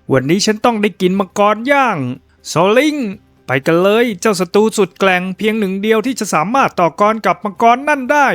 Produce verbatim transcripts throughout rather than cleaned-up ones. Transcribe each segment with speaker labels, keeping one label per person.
Speaker 1: วันนี้ฉันต้องได้กินมังกรย่างโซลิงไปกันเลยเจ้าศัตรูสุดแกร่งเพียงหนึ่งเดียวที่จะสามารถต่อกรกับมังกรนั่นได้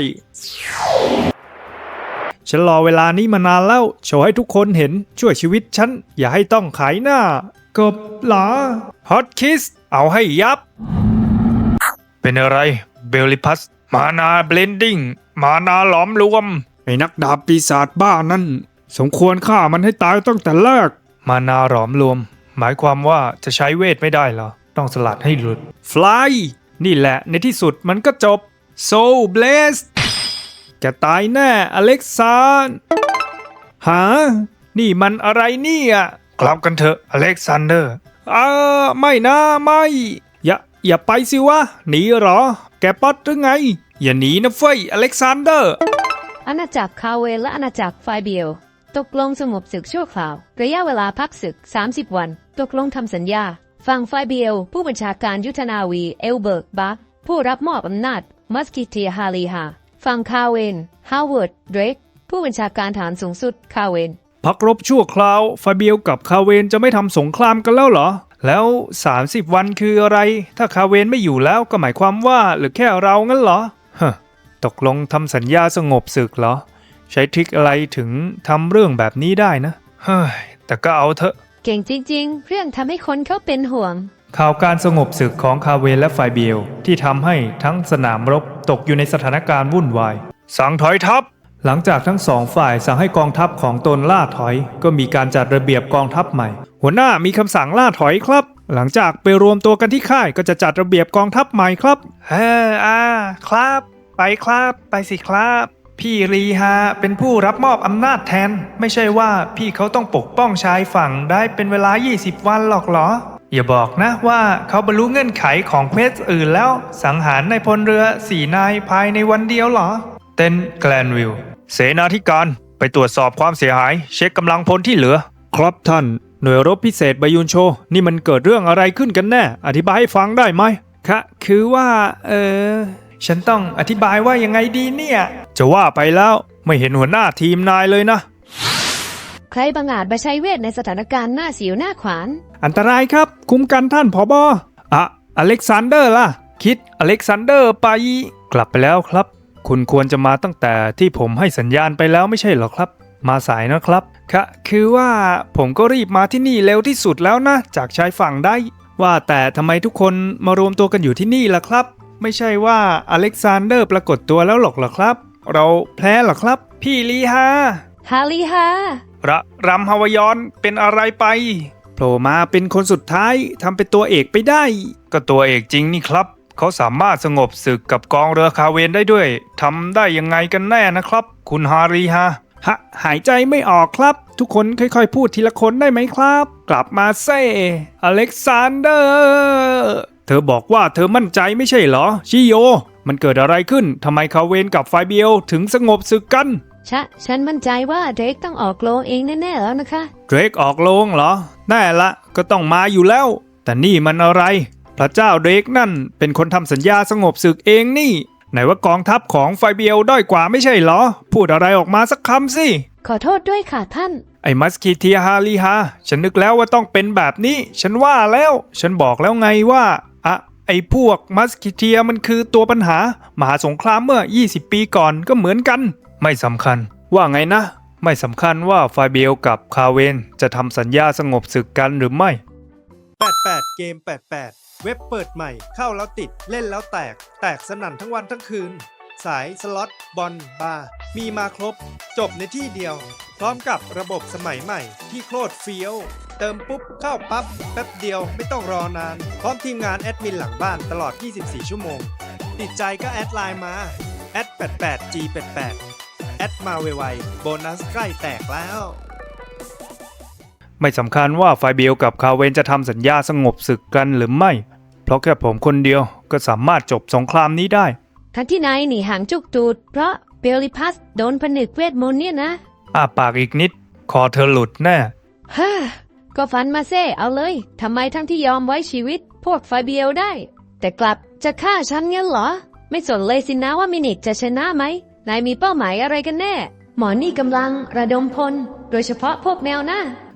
Speaker 1: ฉันรอเวลานี้มานานแล้วโชว์ให้ทุกคนเห็นช่วยชีวิตฉันอย่าให้ต้องขายหน้ากบหลาฮอตคิสเอาให้ยับเป็นอะไรเบลลิพัสมานาเบลนดิ้งมานาหลอมรวมไอ้นักดาบปีศาจบ้านั่นสมควรฆ่ามันให้ตายตั้งแต่แรกมานาหลอมรวมหมายความว่าจะใช้เวทไม่ได้เหรอต้องสลัดให้หลุดฟลายนี่แหละในที่สุดมันก็จบโซลเบลสแกตายแน่อเล็กซานหานี่มันอะไรเนี่ยกลับกันเถอะอเล็กซานเดอร์อ่าไม่นะไม่อย่าอย่าไปสิวะหนีเหรอแกป๊อตหรือไงอย่าหนีนะเฟ้ยอเล็กซานเดอร์
Speaker 2: อาณาจักรคาเวและอาณาจักรไฟเบียลตกลงสงบศึกชั่วคราวระยะเวลาพักศึกสามสิบวันตกลงทำสัญญาฝั่งไฟเบียลผู้บัญชาการยุทธนาวีเอลเบิร์กบัคผู้รับมอบอำนาจมัสกิเทียฮาลีฮาฝั่งคาเวนฮาวเวิร์ดเดรกผู้บัญชาการฐานสูงสุดคาเวน
Speaker 1: พักรบชั่วคราวไฟเบียลกับคาเวนจะไม่ทำสงครามกันแล้วเหรอแล้วสามสิบวันคืออะไรถ้าคาเวนไม่อยู่แล้วก็หมายความว่าหรือแค่เรางั้นเหรอฮะตกลงทำสัญญาสงบศึกเหรอใช้ทริคอะไรถึงทำเรื่องแบบนี้ได้นะเฮ้ยแต่ก็เอาเถอะ
Speaker 2: เก่งจริงๆเรื่องทำให้คนเขาเป็นห่วง
Speaker 1: ข่าวการสงบศึกของคาเวนและไฟเบียลที่ทำให้ทั้งสนามรบตกอยู่ในสถานการณ์วุ่นวายสั่งถอยทัพหลังจากทั้งสองฝ่ายสั่งให้กองทัพของตนล่าถอยก็มีการจัดระเบียบกองทัพใหม่หัวหน้ามีคำสั่งล่าถอยครับหลังจากไปรวมตัวกันที่ค่ายก็จะจัดระเบียบกองทัพใหม่ครับเฮ้ออ่าครับไปครับไปสิครับพี่รีฮาเป็นผู้รับมอบอำนาจแทนไม่ใช่ว่าพี่เขาต้องปกป้องชายฝั่งได้เป็นเวลายี่สิบวันหรอกเหรออย่าบอกนะว่าเขาบรรลุเงื่อนไขของเพชรอื่นแล้วสังหารในพลเรือสี่นายภายในวันเดียวเหรอเต้นแกลนวิลเสนาธิการไปตรวจสอบความเสียหายเช็คกำลังพลที่เหลือครับท่านหน่วยรบพิเศษบายุนโชนี่มันเกิดเรื่องอะไรขึ้นกันแน่อธิบายให้ฟังได้ไหมคะคือว่าเออฉันต้องอธิบายว่ายังไงดีเนี่ยจะว่าไปแล้วไม่เห็นหัวหน้าทีมนายเลยนะ
Speaker 2: ใครบังอาจมาใช้เวทในสถานการณ์หน้าสิวหน้าขวาน
Speaker 1: อันตรายครับคุ้มกันท่านผบ.อะอเล็กซานเดอร์ล่ะคิดอเล็กซานเดอร์ไปกลับไปแล้วครับคุณควรจะมาตั้งแต่ที่ผมให้สัญญาณไปแล้วไม่ใช่หรอครับมาสายนะครับค่ะคือว่าผมก็รีบมาที่นี่เร็วที่สุดแล้วนะจากชายฝั่งได้ว่าแต่ทำไมทุกคนมารวมตัวกันอยู่ที่นี่ล่ะครับไม่ใช่ว่าอเล็กซานเดอร์ปรากฏตัวแล้วหรอกเหรอครับเราแพ้หรอครับพี่ลีฮา
Speaker 2: ฮาลีฮา
Speaker 1: ระรำฮาวยอนเป็นอะไรไปโผล่มาเป็นคนสุดท้ายทำเป็นตัวเอกไปได้ก็ตัวเอกจริงนี่ครับเขาสามารถสงบศึกกับกองเรือคาเวนได้ด้วยทำได้ยังไงกันแน่นะครับคุณฮารีฮะฮะหายใจไม่ออกครับทุกคนค่อยๆพูดทีละคนได้ไหมครับกลับมาเซ่อเล็กซานเดอร์เธอบอกว่าเธอมั่นใจไม่ใช่เหรอชิโยมันเกิดอะไรขึ้นทำไมคาเวนกับไฟเบียลถึงสงบศึกกัน
Speaker 2: ชะฉันมั่นใจว่าเดรกต้องออกโรงเองแน่ๆแล้วนะคะ
Speaker 1: เดรกออกโรงเหรอแน่ละก็ต้องมาอยู่แล้วแต่นี่มันอะไรพระเจ้าเดรกนั่นเป็นคนทำสัญญาสงบศึกเองนี่ไหนว่ากองทัพของไฟเบียลด้อยกว่าไม่ใช่เหรอพูดอะไรออกมาสักคำสิ
Speaker 2: ขอโทษด้วยค่ะท่าน
Speaker 1: ไอ้มัสคิเทียฮาลีฮาฉันนึกแล้วว่าต้องเป็นแบบนี้ฉันว่าแล้วฉันบอกแล้วไงว่าอะไอ้พวกมัสคิเทียมันคือตัวปัญหามหาสงครามเมื่อยี่สิบปีก่อนก็เหมือนกันไม่สำคัญว่าไงนะไม่สำคัญว่าไฟเบียลกับคาเวนจะทำสัญญาสงบศึกกันหรือไม่
Speaker 3: แปดสิบแปดเกมแปดสิบแปดเว็บเปิดใหม่เข้าแล้วติดเล่นแล้วแตกแตกสนั่นทั้งวันทั้งคืนสายสล็อตบอลบาร์มีมาครบจบในที่เดียวพร้อมกับระบบสมัยใหม่ที่โคตรเฟี้ยวเติมปุ๊บเข้าปั๊บแป๊บเดียวไม่ต้องรอนานพร้อมทีมงานแอดมินหลังบ้านตลอดยี่สิบสี่ชั่วโมงติดใจก็แอดไลน์มาแอดแปดแปด จี แปดแปดแอดมาไวๆโบนัสใกล้แตกแล้ว
Speaker 1: ไม่สำคัญว่าไฟเบียลกับคาเวนจะทำสัญญาสงบศึกกันหรือไม่เพราะแค่ผมคนเดียวก็สามารถจบสงครามนี้ได้
Speaker 2: ทั้งที่นายหนีห่างจุกตูดเพราะเบลลิพัสโดนผนึกเวทมนต์เนี่ยนะ
Speaker 1: อ้าปากอีกนิดคอเธอหลุดแน่
Speaker 2: ฮ่าก็ฟันมาเซ่เอาเลยทำไมทั้งที่ยอมไว้ชีวิตพวกไฟเบียลได้แต่กลับจะฆ่าฉันงั้นเหรอไม่สนเลยสินะว่ามินิกจะชนะไหมนายมีเป้าหมายอะไรกันแน่หมอนี่กำลังระดมพลโดยเฉพาะพวกแมวนะ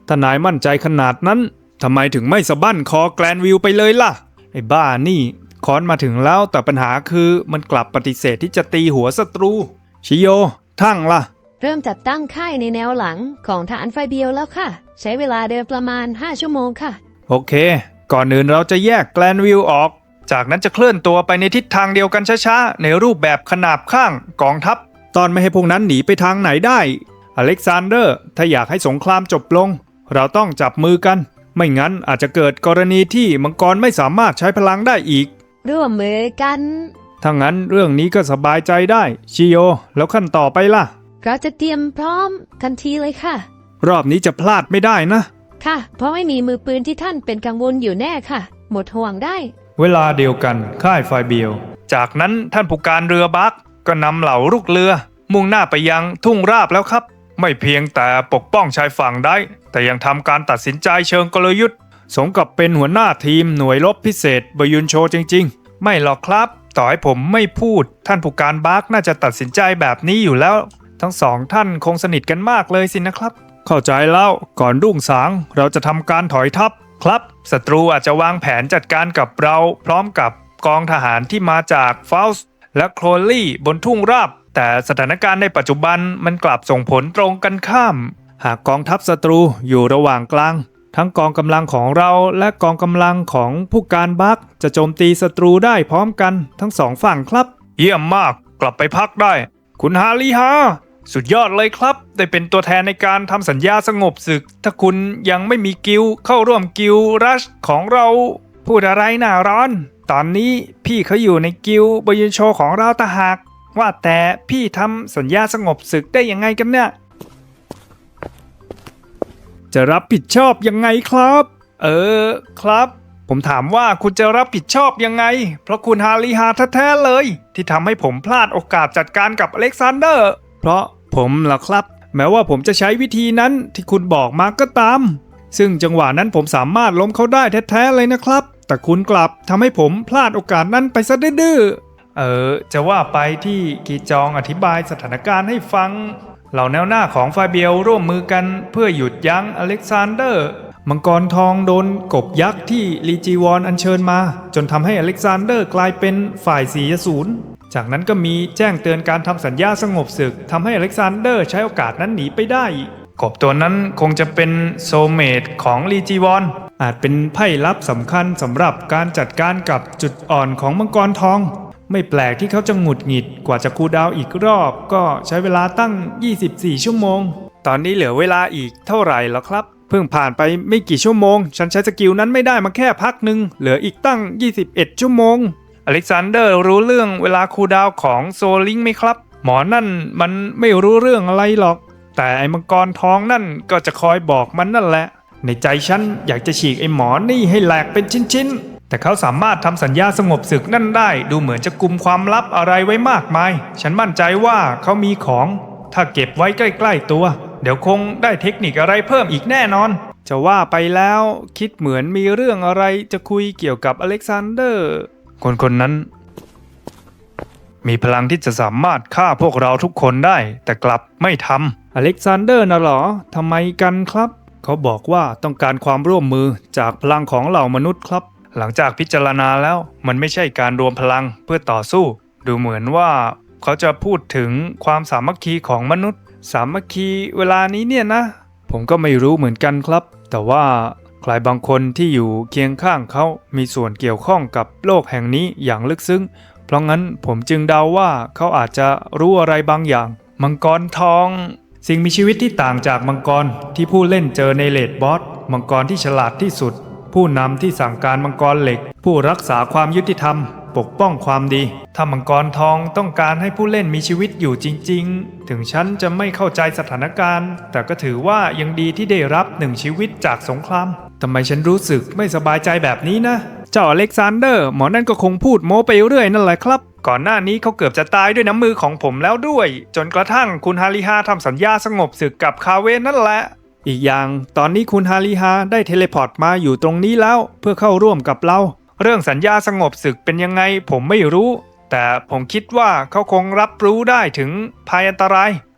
Speaker 1: ถ้านายมั่นใจขนาดนั้นทำไมถึงไม่สะบั้นคอแกลนวิลไปเลยล่ะไอ้บ้านี่ค้อนมาถึงแล้วแต่ปัญหาคือมันกลับปฏิเสธที่จะตีหัวศัตรูชิโยทั้งล่ะ
Speaker 2: เริ่มจัดตั้งค่ายในแนวหลังของฐานไฟเบียวแล้วค่ะใช้เวลาเดินประมาณห้าชั่วโมงค่ะ
Speaker 1: โอเคก่อนอื่นเราจะแยกแกลนวิลออกจากนั้นจะเคลื่อนตัวไปในทิศทางเดียวกันช้าๆในรูปแบบขนาบข้างกองทัพตอนไม่ให้พวกนั้นหนีไปทางไหนได้อเล็กซานเดอร์ถ้าอยากให้สงครามจบลงเราต้องจับมือกันไม่งั้นอาจจะเกิดกรณีที่มังกรไม่สามารถใช้พลังได้อีก
Speaker 2: ร่วมมือกัน
Speaker 1: ถ้างั้นเรื่องนี้ก็สบายใจได้ชิโยแล้วขั้นต่อไปล่ะ
Speaker 2: เราจะเตรียมพร้อมทันทีเลยค่ะ
Speaker 1: รอบนี้จะพลาดไม่ได้นะ
Speaker 2: ค่ะเพราะไม่มีมือปืนที่ท่านเป็นกังวลอยู่แน่ค่ะหมดห่วงได้
Speaker 1: เวลาเดียวกันค่ายไฟเบียวจากนั้นท่านผู้การเรือบักก็นำเหล่าลูกเรือมุ่งหน้าไปยังทุ่งราบแล้วครับไม่เพียงแต่ปกป้องชายฝั่งได้แต่ยังทำการตัดสินใจเชิงกลยุทธ์สมกับเป็นหัวหน้าทีมหน่วยรบพิเศษบยุนโชจริงๆไม่หรอกครับต่อให้ผมไม่พูดท่านผู้การบักน่าจะตัดสินใจแบบนี้อยู่แล้วทั้งสองท่านคงสนิทกันมากเลยสินะครับเข้าใจแล้วก่อนรุ่งสางเราจะทำการถอยทัพครับศัตรูอาจจะวางแผนจัดการกับเราพร้อมกับกองทหารที่มาจากฟาสและโคลลี่บนทุ่งราบแต่สถานการณ์ในปัจจุบันมันกลับส่งผลตรงกันข้ามหากกองทัพศัตรูอยู่ระหว่างกลางทั้งกองกำลังของเราและกองกำลังของผู้การบักจะโจมตีศัตรูได้พร้อมกันทั้งสองฝั่งครับเยี่ยมมากกลับไปพักได้คุณฮาริฮาสุดยอดเลยครับได้เป็นตัวแทนในการทำสัญญาสงบศึกถ้าคุณยังไม่มีกิลเข้าร่วมกิลรัชของเราพูดอะไรน่าร้อนตอนนี้พี่เขาอยู่ในกิลบยุนโชของเราตะหากว่าแต่พี่ทำสัญญาสงบศึกได้ยังไงกันเนี่ยจะรับผิดชอบยังไงครับเออครับผมถามว่าคุณจะรับผิดชอบยังไงเพราะคุณฮาริฮาแท้ๆเลยที่ทำให้ผมพลาดโอกาสจัดการกับอเล็กซานเดอร์เพราะผมล่ะครับแม้ว่าผมจะใช้วิธีนั้นที่คุณบอกมาก็ตามซึ่งจังหวะนั้นผมสามารถล้มเขาได้แท้ๆเลยนะครับแต่คุณกลับทำให้ผมพลาดโอกาสนั้นไปซะดื้อเออจะว่าไปที่กีจองอธิบายสถานการณ์ให้ฟังเหล่าแนวหน้าของไฟเบียวร่วมมือกันเพื่อหยุดยั้งอเล็กซานเดอร์มังกรทองโดนกบยักษ์ที่ลีจีวอนอัญเชิญมาจนทำให้อเล็กซานเดอร์กลายเป็นฝ่ายสี่ศูนย์จากนั้นก็มีแจ้งเตือนการทำสัญญาสงบศึกทำให้อเล็กซานเดอร์ใช้โอกาสนั้นหนีไปได้กบตัวนั้นคงจะเป็นโซเมตของลีจีวอนอาจเป็นไพ่ลับสำคัญสำหรับการจัดการกับจุดอ่อนของมังกรทองไม่แปลกที่เขาจะหงุดหงิดกว่าจะคูลดาวน์อีกรอบก็ใช้เวลาตั้งยี่สิบสี่ชั่วโมงตอนนี้เหลือเวลาอีกเท่าไหร่แล้วครับเพิ่งผ่านไปไม่กี่ชั่วโมงฉันใช้สกิลนั้นไม่ได้มาแค่พักหนึ่งเหลืออีกตั้งยี่สิบเอ็ดชั่วโมงอเล็กซานเดอร์รู้เรื่องเวลาคูลดาวน์ของโซลิงไหมครับหมอนั่นมันไม่รู้เรื่องอะไรหรอกแต่ไอ้มังกรทองนั่นก็จะคอยบอกมันนั่นแหละในใจฉันอยากจะฉีกไอ้หมอนี่ให้แหลกเป็นชิ้นๆแต่เขาสามารถทำสัญญาสงบศึกนั่นได้ดูเหมือนจะกุมความลับอะไรไว้มากมายฉันมั่นใจว่าเขามีของถ้าเก็บไว้ใกล้ๆตัวเดี๋ยวคงได้เทคนิคอะไรเพิ่มอีกแน่นอนจะว่าไปแล้วคิดเหมือนมีเรื่องอะไรจะคุยเกี่ยวกับอเล็กซานเดอร์คนคนนั้นมีพลังที่จะสามารถฆ่าพวกเราทุกคนได้แต่กลับไม่ทำอเล็กซานเดอร์น่ะหรอทำไมกันครับเขาบอกว่าต้องการความร่วมมือจากพลังของเหล่ามนุษย์ครับหลังจากพิจารณาแล้วมันไม่ใช่การรวมพลังเพื่อต่อสู้ดูเหมือนว่าเขาจะพูดถึงความสามัคคีของมนุษย์สามัคคีเวลานี้เนี่ยนะผมก็ไม่รู้เหมือนกันครับแต่ว่าใครบางคนที่อยู่เคียงข้างเขามีส่วนเกี่ยวข้องกับโลกแห่งนี้อย่างลึกซึ้งเพราะงั้นผมจึงเดาว่าเขาอาจจะรู้อะไรบางอย่างมังกรทองสิ่งมีชีวิตที่ต่างจากมังกรที่ผู้เล่นเจอในเลดบอสมังกรที่ฉลาดที่สุดผู้นำที่สั่งการมังกรเหล็กผู้รักษาความยุติธรรมปกป้องความดีถ้ามังกรทองต้องการให้ผู้เล่นมีชีวิตอยู่จริงๆถึงฉันจะไม่เข้าใจสถานการณ์แต่ก็ถือว่ายังดีที่ได้รับหนึ่งชีวิตจากสงครามทำไมฉันรู้สึกไม่สบายใจแบบนี้นะเจ้าอเล็กซานเดอร์หมอนั่นก็คงพูดโม้ไปเรื่อยนั่นแหละครับก่อนหน้านี้เขาเกือบจะตายด้วยน้ำมือของผมแล้วด้วยจนกระทั่งคุณฮาริฮาทำสัญญาสงบศึกกับคาเวนนั่นแหละอีกอย่างตอนนี้คุณฮาริฮาได้เทเลพอร์ตมาอยู่ตรงนี้แล้วเพื่อเข้าร่วมกับเราเรื่องสัญญาสงบศึกเป็นยังไงผมไม่รู้แต่ผมคิดว่าเขาคงรับรู้ได้ถึงภัยอันตราย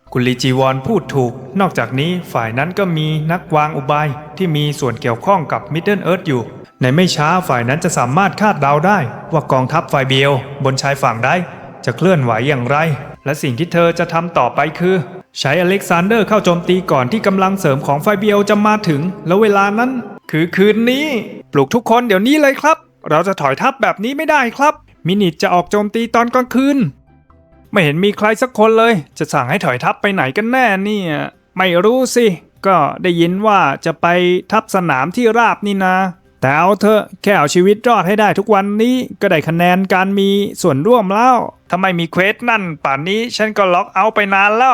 Speaker 1: คุณลีจีวอนพูดถูกนอกจากนี้ฝ่ายนั้นก็มีนักวางอุบายที่มีส่วนเกี่ยวข้องกับมิดเดิลเอิร์ธอยู่ในไม่ช้าฝ่ายนั้นจะสามารถคาดเดาได้ว่ากองทัพไฟเบียวบนชายฝั่งได้จะเคลื่อนไหวอย่างไรและสิ่งที่เธอจะทำต่อไปคือใช้อเล็กซานเดอร์เข้าโจมตีก่อนที่กำลังเสริมของไฟเบียวจะมาถึงแล้วเวลานั้นคือคืนนี้ปลุกทุกคนเดี๋ยวนี้เลยครับเราจะถอยทัพแบบนี้ไม่ได้ครับมินิทจะออกโจมตีตอนกลางคืนไม่เห็นมีใครสักคนเลยจะสั่งให้ถอยทัพไปไหนกันแน่เนี่ยไม่รู้สิก็ได้ยินว่าจะไปทัพสนามที่ราบนี่นาแต่เอาเถอะแค่เอาชีวิตรอดให้ได้ทุกวันนี้ก็ได้คะแนนการมีส่วนร่วมแล้วถ้าไม่มีเควสนั่นป่านนี้ฉันก็ล็อกเอาท์ไปนานแล้ว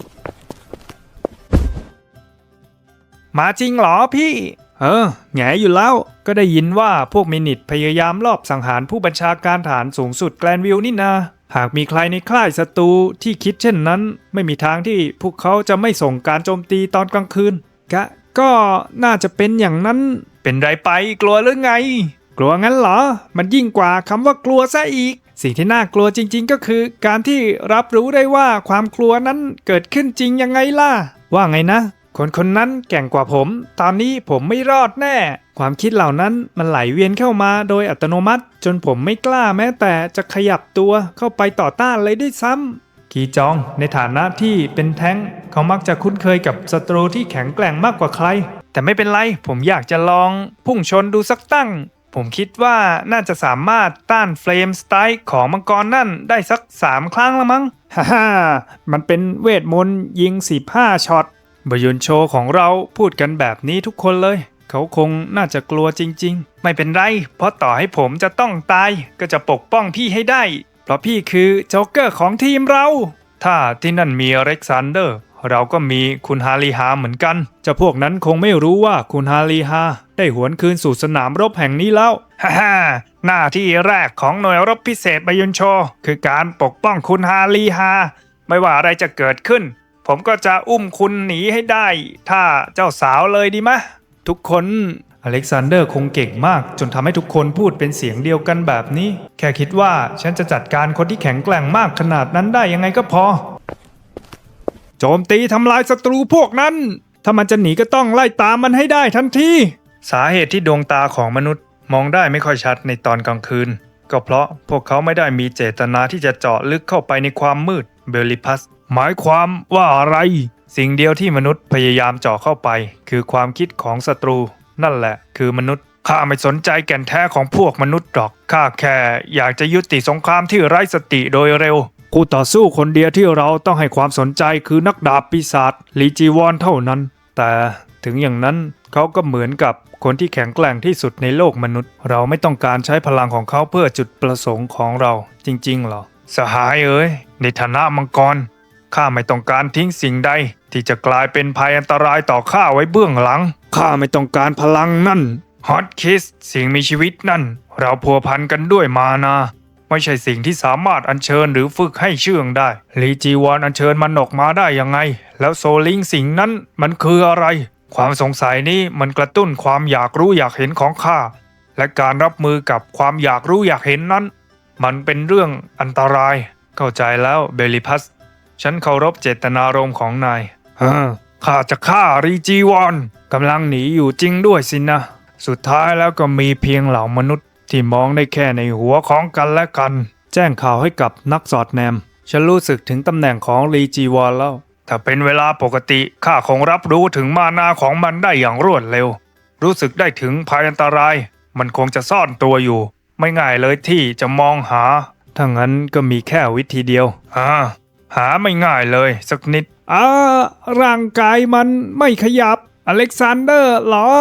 Speaker 1: มาจริงเหรอพี่เออแง่อยู่แล้วก็ได้ยินว่าพวกมินิทพยายามลอบสังหารผู้บัญชาการฐานสูงสุดแกลนวิลนี่นาหากมีใครในค่ายศัตรูที่คิดเช่นนั้นไม่มีทางที่พวกเขาจะไม่ส่งการโจมตีตอนกลางคืนกะก็น่าจะเป็นอย่างนั้นเป็นไรไปกลัวหรือไงกลัวงั้นเหรอมันยิ่งกว่าคำว่ากลัวซะอีกสิ่งที่น่ากลัวจริงๆก็คือการที่รับรู้ได้ว่าความกลัวนั้นเกิดขึ้นจริงยังไงล่ะว่าไงนะคนคนนั้นแก่งกว่าผมตอนนี้ผมไม่รอดแน่ความคิดเหล่านั้นมันไหลเวียนเข้ามาโดยอัตโนมัติจนผมไม่กล้าแม้แต่จะขยับตัวเข้าไปต่อต้านเลยด้วยซ้ำกีจองในฐานะที่เป็นแท้งเขามักจะคุ้นเคยกับศัตรูที่แข็งแกร่งมากกว่าใครแต่ไม่เป็นไรผมอยากจะลองพุ่งชนดูสักตั้งผมคิดว่าน่าจะสามารถต้านเฟลมสไตร์ของมังกรนั่นได้สักสามครั้งละมั้งฮ่าฮ่ามันเป็นเวทมนต์ยิงสิบห้าช็อตบยุนโชของเราพูดกันแบบนี้ทุกคนเลยเขาคงน่าจะกลัวจริงๆไม่เป็นไรเพราะต่อให้ผมจะต้องตายก็จะปกป้องพี่ให้ได้เพราะพี่คือโจ๊กเกอร์ของทีมเราถ้าที่นั่นมีอเล็กซานเดอร์เราก็มีคุณฮาริฮาเหมือนกันเจ้าพวกนั้นคงไม่รู้ว่าคุณฮาริฮาได้หวนคืนสู่สนามรบแห่งนี้แล้วฮ่าฮ่าหน้าที่แรกของหน่วยรบพิเศษบยุนโชคือการปกป้องคุณฮาริฮาไม่ว่าอะไรจะเกิดขึ้นผมก็จะอุ้มคุณหนีให้ได้ถ้าเจ้าสาวเลยดีมะทุกคนอเล็กซานเดอร์คงเก่งมากจนทำให้ทุกคนพูดเป็นเสียงเดียวกันแบบนี้แค่คิดว่าฉันจะจัดการคนที่แข็งแกร่งมากขนาดนั้นได้ยังไงก็พอโจมตีทำลายศัตรูพวกนั้นถ้ามันจะหนีก็ต้องไล่ตามมันให้ได้ทันทีสาเหตุที่ดวงตาของมนุษย์มองได้ไม่ค่อยชัดในตอนกลางคืนก็เพราะพวกเขาไม่ได้มีเจตนาที่จะเจาะลึกเข้าไปในความมืดเบลลิพัสหมายความว่าอะไรสิ่งเดียวที่มนุษย์พยายามเจาะเข้าไปคือความคิดของศัตรูนั่นแหละคือมนุษย์ข้าไม่สนใจแก่นแท้ของพวกมนุษย์หรอกข้าแค่อยากจะยุติสงครามที่ไร้สติโดยเร็วคู่ต่อสู้คนเดียวที่เราต้องให้ความสนใจคือนักดาบปีศาจลีจีวอนเท่านั้นแต่ถึงอย่างนั้นเขาก็เหมือนกับคนที่แข็งแกร่งที่สุดในโลกมนุษย์เราไม่ต้องการใช้พลังของเขาเพื่อจุดประสงค์ของเราจริงๆหรอสหายเอ๋ยในฐานะมังกรข้าไม่ต้องการทิ้งสิ่งใดที่จะกลายเป็นภัยอันตรายต่อข้าไว้เบื้องหลังข้าไม่ต้องการพลังนั่นฮอตคิสสิ่งมีชีวิตนั่นเราพัวพันกันด้วยมานาไม่ใช่สิ่งที่สามารถอัญเชิญหรือฝึกให้เชื่องได้ลีจีวอนอัญเชิญมันออกมาได้ยังไงแล้วโซลิงสิ่งนั้นมันคืออะไรความสงสัยนี้มันกระตุ้นความอยากรู้อยากเห็นของข้าและการรับมือกับความอยากรู้อยากเห็นนั้นมันเป็นเรื่องอันตรายเข้าใจแล้วเบลิพัสฉันเคารพเจตนารมณ์ของนายฮะข้าจะฆ่ารีจีวอนกำลังหนีอยู่จริงด้วยสินะสุดท้ายแล้วก็มีเพียงเหล่ามนุษย์ที่มองได้แค่ในหัวของกันและกันแจ้งข่าวให้กับนักสอดแนมฉันรู้สึกถึงตำแหน่งของรีจีวอนแล้วถ้าเป็นเวลาปกติข้าคงรับรู้ถึงมานาของมันได้อย่างรวดเร็วรู้สึกได้ถึงภัยอันตรายมันคงจะซ่อนตัวอยู่ไม่ง่ายเลยที่จะมองหาถ้างั้นก็มีแค่วิธีเดียวอ่าหาไม่ง่ายเลยสักนิดอ่าร่างกายมันไม่ขยับอเล็กซานเดอร์เหรอ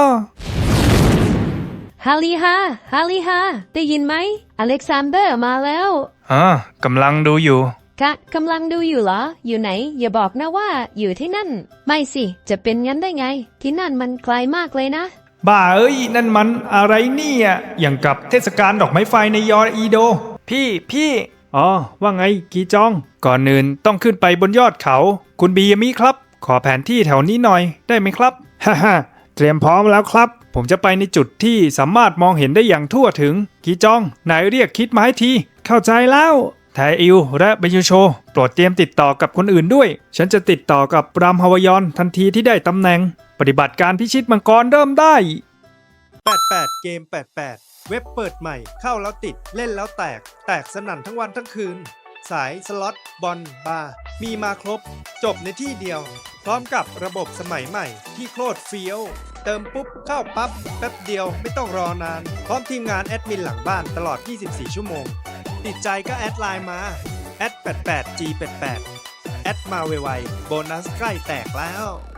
Speaker 2: ฮาลิฮาฮาลิฮาได้ยินไหมอเล็กซานเดอร์มาแล้ว
Speaker 1: อ่ากำลังดูอยู่
Speaker 2: กะกำลังดูอยู่เหรออยู่ไหนอย่าบอกนะว่าอยู่ที่นั่นไม่สิจะเป็นงั้นได้ไงที่นั่นมันไกลมากเลยนะ
Speaker 1: บ้าเอ้ยนั่นมันอะไรเนี่ยอย่างกับเทศกาลดอกไม้ไฟในยอร์อีโดพี่พี่อ๋อว่าไงกีจองก่อนอื่นต้องขึ้นไปบนยอดเขาคุณบียามิครับขอแผนที่แถวนี้หน่อยได้ไหมครับฮ่าฮ่าเตรียมพร้อมแล้วครับผมจะไปในจุดที่สามารถมองเห็นได้อย่างทั่วถึงกีจองนายเรียกคิดมาให้ทีเข้าใจแล้วไทอิวและเบยูโชโปรดเตรียมติดต่อกับคนอื่นด้วย ฉันจะติดต่อกับรามฮาวยอนทันทีที่ได้ตำแหน่ง ปฏิบัติการพิชิตมังกรเริ่มได้
Speaker 3: แปดแปดเกมแปดแปดเว็บเปิดใหม่เข้าแล้วติดเล่นแล้วแตก แตกสนั่นทั้งวันทั้งคืน สายสล็อตบอลบาร์มีมาครบ จบในที่เดียว พร้อมกับระบบสมัยใหม่ที่โคตรเฟี้ยว เติมปุ๊บเข้าปั๊บแป๊บเดียวไม่ต้องรอนาน พร้อมทีมงานแอดมินหลังบ้านตลอด ยี่สิบสี่ ชั่วโมง ติดใจก็แอดไลน์มาแอดแปดแปด จี แปดแปด แอดมาไวๆโบนัสใกล้แตกแล้ว